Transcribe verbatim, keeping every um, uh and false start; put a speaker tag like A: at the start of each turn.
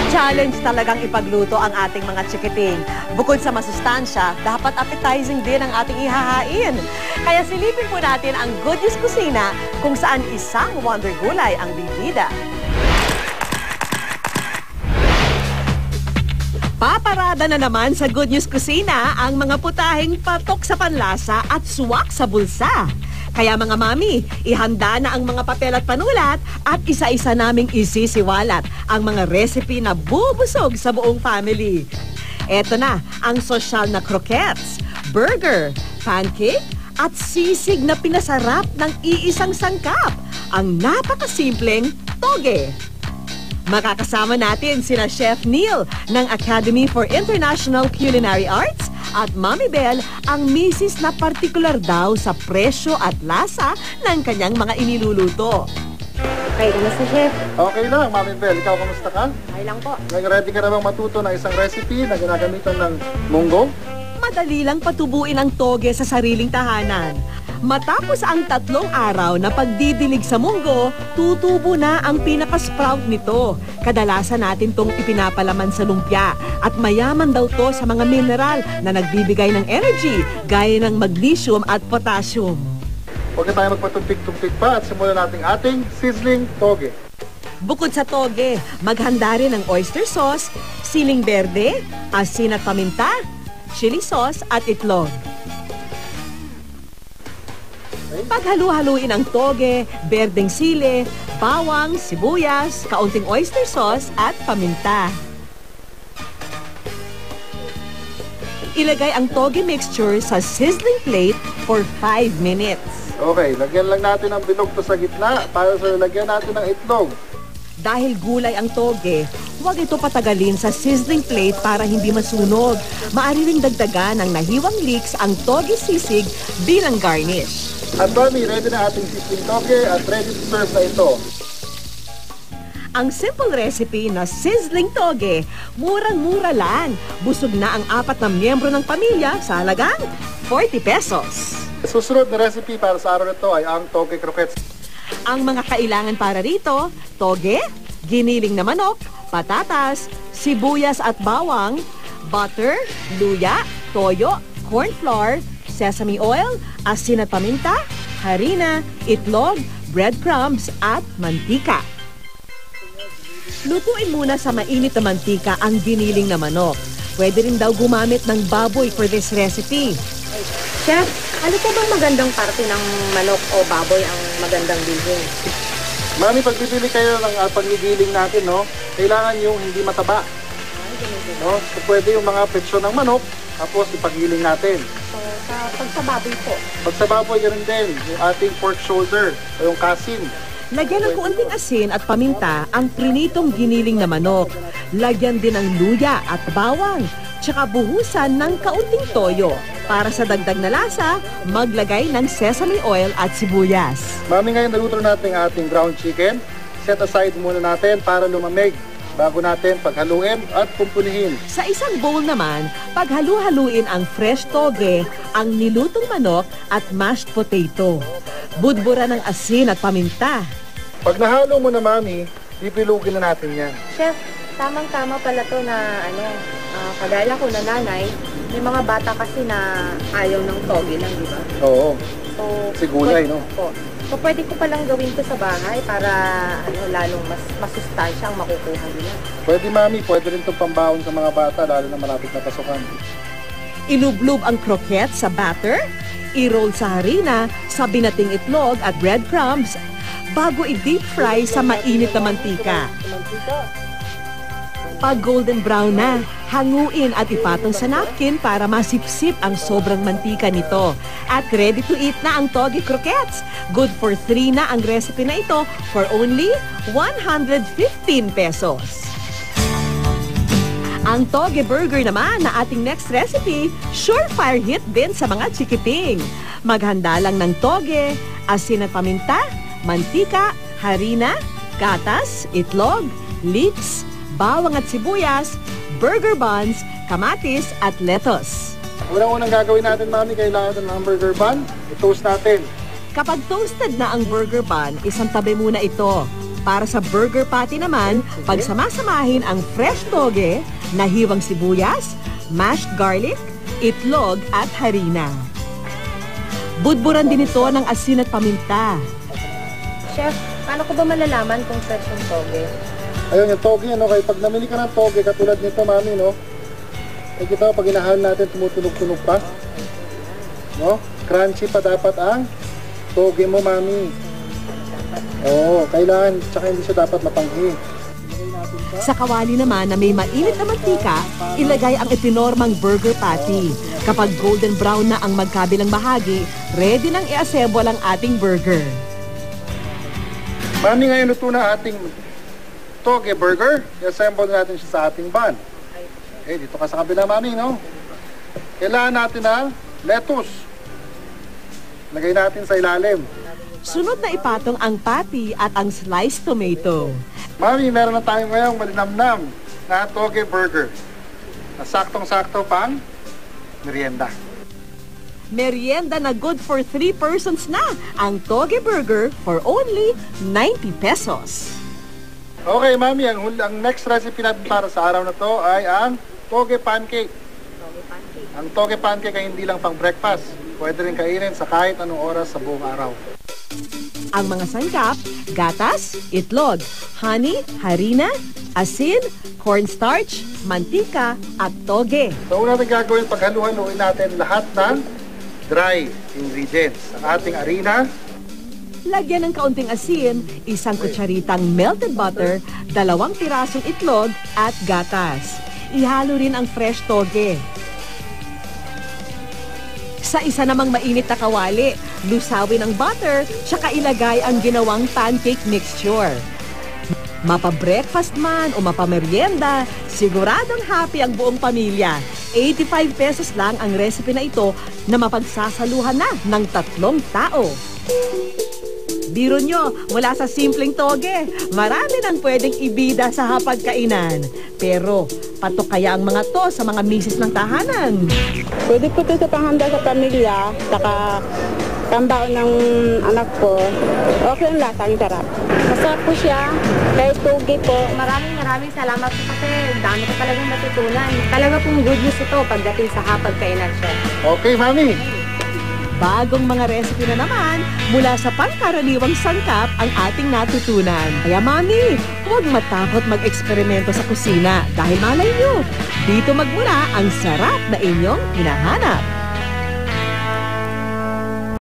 A: Challenge talagang ipagluto ang ating mga chikiting. Bukod sa masustansya, dapat appetizing din ang ating ihahain. Kaya silipin po natin ang Good News Kusina kung saan isang wonder gulay ang bibida. Paparada na naman sa Good News Kusina ang mga putaheng patok sa panlasa at suwak sa bulsa. Kaya mga mami, ihanda na ang mga papel at panulat at isa-isa naming isisiwalat ang mga recipe na bubusog sa buong family. Eto na ang sosyal na croquettes, burger, pancake at sisig na pinasarap ng iisang sangkap, ang napakasimpleng toge. Makakasama natin sina Chef Neil ng Academy for International Culinary Arts at Mami Belle, ang misis na partikular daw sa presyo at lasa ng kanyang mga iniluluto.
B: Okay, kamusta, Chef?
C: Okay lang, Mami Belle. Ikaw, kamusta ka?
B: Okay lang po.
C: Ready ka na bang matuto ng isang recipe na ginagamitan ng munggo?
A: Madali lang patubuin ang toge sa sariling tahanan. Matapos ang tatlong araw na pagdidilig sa munggo, tutubo na ang pinaka-sprout nito. Kadalasan natin tong ipinapalaman sa lumpia at mayaman daw to sa mga mineral na nagbibigay ng energy gaya ng magnesium at potassium.
C: Huwag na tayo magpatumpik-tumpik pa at simulan natin ating sizzling toge.
A: Bukod sa toge, maghanda rin ng oyster sauce, siling berde, asin at paminta, chili sauce at itlog. Paghalu-haluin ang toge, berdeng sili, bawang, sibuyas, kaunting oyster sauce at paminta. Ilagay ang toge mixture sa sizzling plate for five minutes.
C: Okay, lagyan lang natin ang bilog to sa gitna para sa lagyan natin ng itlog.
A: Dahil gulay ang toge, huwag ito patagalin sa sizzling plate para hindi masunog. Maaari ring dagdagan ng nahiwang leeks ang toge sisig bilang garnish.
C: At Mami, ready na ating sizzling toge at ready to serve na ito.
A: Ang simple recipe na sizzling toge, murang-mura lang. Busog na ang apat na miyembro ng pamilya sa halagang forty pesos.
C: Susunod na recipe para sa araw na ito ay ang toge croquettes.
A: Ang mga kailangan para rito, toge, giniling na manok, patatas, sibuyas at bawang, butter, luya, toyo, corn flour, sesame oil, asin at paminta, harina, itlog, breadcrumbs at mantika. Lutuin muna sa mainit na mantika ang giniling na manok. Pwede rin daw gumamit ng baboy for this recipe.
B: Chef, ano po bang magandang parte ng manok o baboy ang magandang bilhin?
C: Mami, pag bibili kayo ng uh, paggigiling natin, no, kailangan yung hindi mataba. No? So, pwede yung mga petsyon ng manok, tapos ipagiling natin.
B: So, sa, pag sa baboy po?
C: Pag sa baboy, ganun din. Yung ating pork shoulder, o yung kasim.
A: Lagyan ng kuunting asin at paminta ang prinitong giniling na manok. Lagyan din ng luya at bawang, tsaka buhusan ng kaunting toyo. Para sa dagdag na lasa, maglagay ng sesame oil at sibuyas.
C: Mami, ngayon naluto natin ang ating ground chicken. Set aside muna natin para lumamig bago natin paghaluin at kumpunihin.
A: Sa isang bowl naman, paghalu-haluin ang fresh toge, ang nilutong manok at mashed potato. Budbura ng asin at paminta.
C: Pag nahalo mo na, Mami, pipilugin na natin yan.
B: Chef, tamang-tama pala to na ano, uh, kagaya ko na nanay, may mga bata kasi na ayaw ng toge lang, di ba?
C: Oo.
B: So,
C: Sigulay, no?
B: Po. So, pwede ko palang gawin to sa bahay para ano, lalong mas masustansya ang makukuha nila.
C: Pwede, Mami. Pwede rin itong pambaon sa mga bata, lalo na malapit na pasukan.
A: Ilublob ang croquette sa batter, i-roll sa harina, sa binating itlog at breadcrumbs, bago i-deep fry sa mainit na mantika. Pag golden brown na, hanguin at ipatong sa napkin para masipsip ang sobrang mantika nito. At ready to eat na ang toge croquettes. Good for three na ang recipe na ito for only one hundred fifteen pesos. Ang toge burger naman na ating next recipe, surefire hit din sa mga chikiting. Maghanda lang ng toge, asin at paminta, mantika, harina, gatas, itlog, leeks, bawang at sibuyas, burger buns, kamatis at lettuce.
C: Unang-unang gagawin natin, Mami, kailangan natin ng burger bun. I-toast natin.
A: Kapag toasted na ang burger bun, isang tabi muna ito. Para sa burger patty naman, pagsamasamahin ang fresh toge, nahiwang sibuyas, mashed garlic, itlog at harina. Budburan din ito ng asin at paminta.
B: Chef, paano ko ba malalaman kung fresh yung toge?
C: Ayun, yung toge, no? Kaya pag namili ka ng toge, katulad nito, mami, no? Ay kita, pag inahal natin, tumutunog-tunog pa. No? Crunchy pa dapat ang toge mo, mami. Oo, kailangan, tsaka hindi siya dapat mapanghi.
A: Sa kawali naman na may mainit na mantika, ilagay ang itinormang burger patty. Kapag golden brown na ang magkabilang bahagi, ready nang i-assemble ang ating burger.
C: Mami, ngayon luto na ating toge burger. I-assemble natin siya sa ating bun. Okay, dito ka sa kabila, mami, no? Kailangan natin ng lettuce. Lagay natin sa ilalim.
A: Sunod na ipatong ang patty at ang sliced tomato.
C: Mami, meron na tayo ngayong malinamnam na toge burger. Na saktong-sakto pang merienda.
A: Merienda na good for three persons na ang toge burger for only ninety pesos.
C: Okay, mami, ang, hul- ang next recipe natin para sa araw na to ay ang toge pancake.
B: Toge pancake.
C: Ang toge pancake ay hindi lang pang breakfast. Pwede rin kainin sa kahit anong oras sa buong araw.
A: Ang mga sangkap, gatas, itlog, honey, harina, asin, cornstarch, mantika, at toge.
C: So, una natin gagawin, paghalu-haluin natin lahat ng dry ingredients. Ang ating harina,
A: Lagyan ng kaunting asin, isang kutsaritang melted butter, dalawang pirasong itlog, at gatas. Ihalo rin ang fresh toge. Sa isa namang mainit na kawali, lusawin ang butter, tsaka ilagay ang ginawang pancake mixture. Mapa-breakfast man o mapa-merienda, siguradong happy ang buong pamilya. eighty-five pesos lang ang recipe na ito na mapagsasaluhan na ng tatlong tao. Biro nyo, mula sa simpleng toge, marami nang pwedeng ibida sa hapagkainan. Pero, patok kaya ang mga to sa mga misis ng tahanan?
D: Pwede po ito sa panghanda sa pamilya, saka pambaon ng anak ko. Okay ang lasa, ang sarap.
B: Masarap po siya. Kahit toge po. Maraming maraming salamat po kasi dami ko talagang matutunan. Talaga pong good news ito pagdating sa hapagkainan, chef.
C: okay, mami.
A: Bagong mga recipe na naman mula sa pangkaraniwang sangkap ang ating natutunan. Kaya mami, huwag matakot mag-eksperimento sa kusina dahil malay nyo, dito magmula ang sarap na inyong hinahanap.